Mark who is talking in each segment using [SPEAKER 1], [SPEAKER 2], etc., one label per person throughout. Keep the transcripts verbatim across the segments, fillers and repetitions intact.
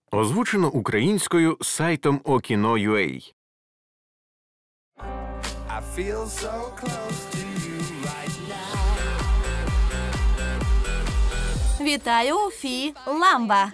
[SPEAKER 1] Озвучено українською сайтом Okino крапка ю а.
[SPEAKER 2] I feel so close to you right now.
[SPEAKER 3] Вітаю, Фі Ламба.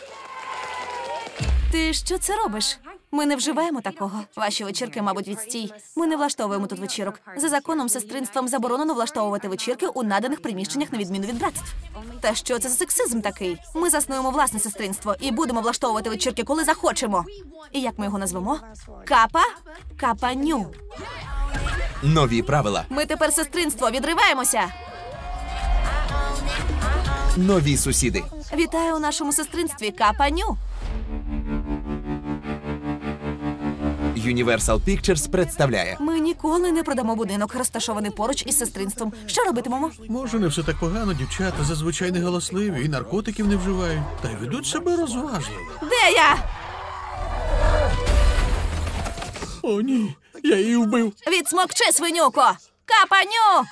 [SPEAKER 3] Ти що це робиш? Ми не вживаємо такого. Ваші вечірки, мабуть, відстій. Ми не влаштовуємо тут вечірок. За законом сестринством заборонено влаштовувати вечірки у наданих приміщеннях на відміну від братств. Та що це за сексизм такий? Ми заснуємо власне сестринство і будемо влаштовувати вечірки, коли захочемо. І як ми його назвемо? Капа? Капаню.
[SPEAKER 4] Нові правила.
[SPEAKER 3] Ми тепер сестринство, відриваємося.
[SPEAKER 4] Нові сусіди.
[SPEAKER 3] Вітаю у нашому сестринстві, Капаню.
[SPEAKER 4] Universal Pictures представляє.
[SPEAKER 3] Ми ніколи не продамо будинок, розташований поруч із сестринством. Що робитимемо?
[SPEAKER 5] Може, не все так погано, дівчата зазвичай не галасливі і наркотиків не вживають. Та й ведуть себе розважливо.
[SPEAKER 3] Де я?
[SPEAKER 5] О, ні, я її вбив.
[SPEAKER 3] Відсмокчи, свинюко! Капаню!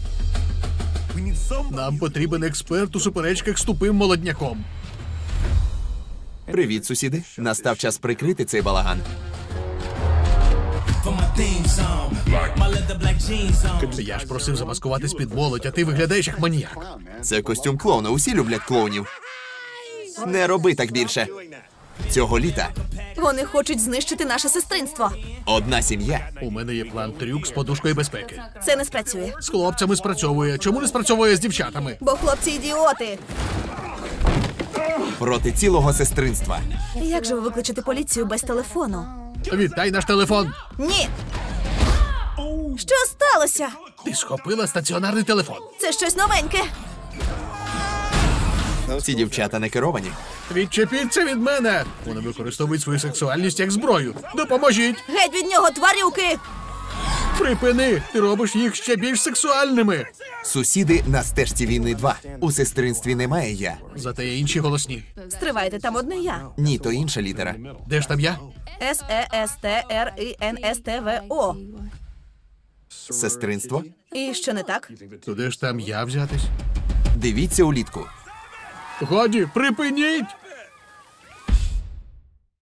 [SPEAKER 5] Нам потрібен експерт у суперечках з тупим молодняком.
[SPEAKER 4] Привіт, сусіди. Настав час прикрити цей балаган.
[SPEAKER 5] Я ж просив замаскуватись під молодь, а ти виглядаєш як маніяк.
[SPEAKER 4] Це костюм клоуна. Усі люблять клоунів. Не роби так більше. Цього літа
[SPEAKER 3] Вони хочуть знищити наше сестринство.
[SPEAKER 4] одна сім'я
[SPEAKER 5] У мене є план-трюк з подушкою безпеки.
[SPEAKER 3] Це не спрацює.
[SPEAKER 5] З хлопцями спрацьовує. Чому не спрацьовує з дівчатами?
[SPEAKER 3] Бо хлопці ідіоти.
[SPEAKER 4] проти цілого сестринства.
[SPEAKER 3] Як же ви викличете поліцію без телефону?
[SPEAKER 5] Віддай наш телефон.
[SPEAKER 3] Ні! Що сталося?
[SPEAKER 5] Ти схопила стаціонарний телефон.
[SPEAKER 3] Це щось новеньке.
[SPEAKER 4] Ці дівчата не керовані.
[SPEAKER 5] Відчепіться від мене. Вони використовують свою сексуальність як зброю. Допоможіть.
[SPEAKER 3] Геть від нього, тварюки!
[SPEAKER 5] Припини. Ти робиш їх ще більш сексуальними.
[SPEAKER 4] Сусіди на стежці війни два. У сестринстві немає я.
[SPEAKER 5] Зате є інші голосні.
[SPEAKER 3] Стривайте, там одне я.
[SPEAKER 4] Ні, то інша літера.
[SPEAKER 5] Де ж там я?
[SPEAKER 3] С Е С Т Р І Н С Т В О.
[SPEAKER 4] Сестринство?
[SPEAKER 3] І що не так?
[SPEAKER 5] То де ж там я взятись?
[SPEAKER 4] Дивіться улітку.
[SPEAKER 5] Годі, припиніть!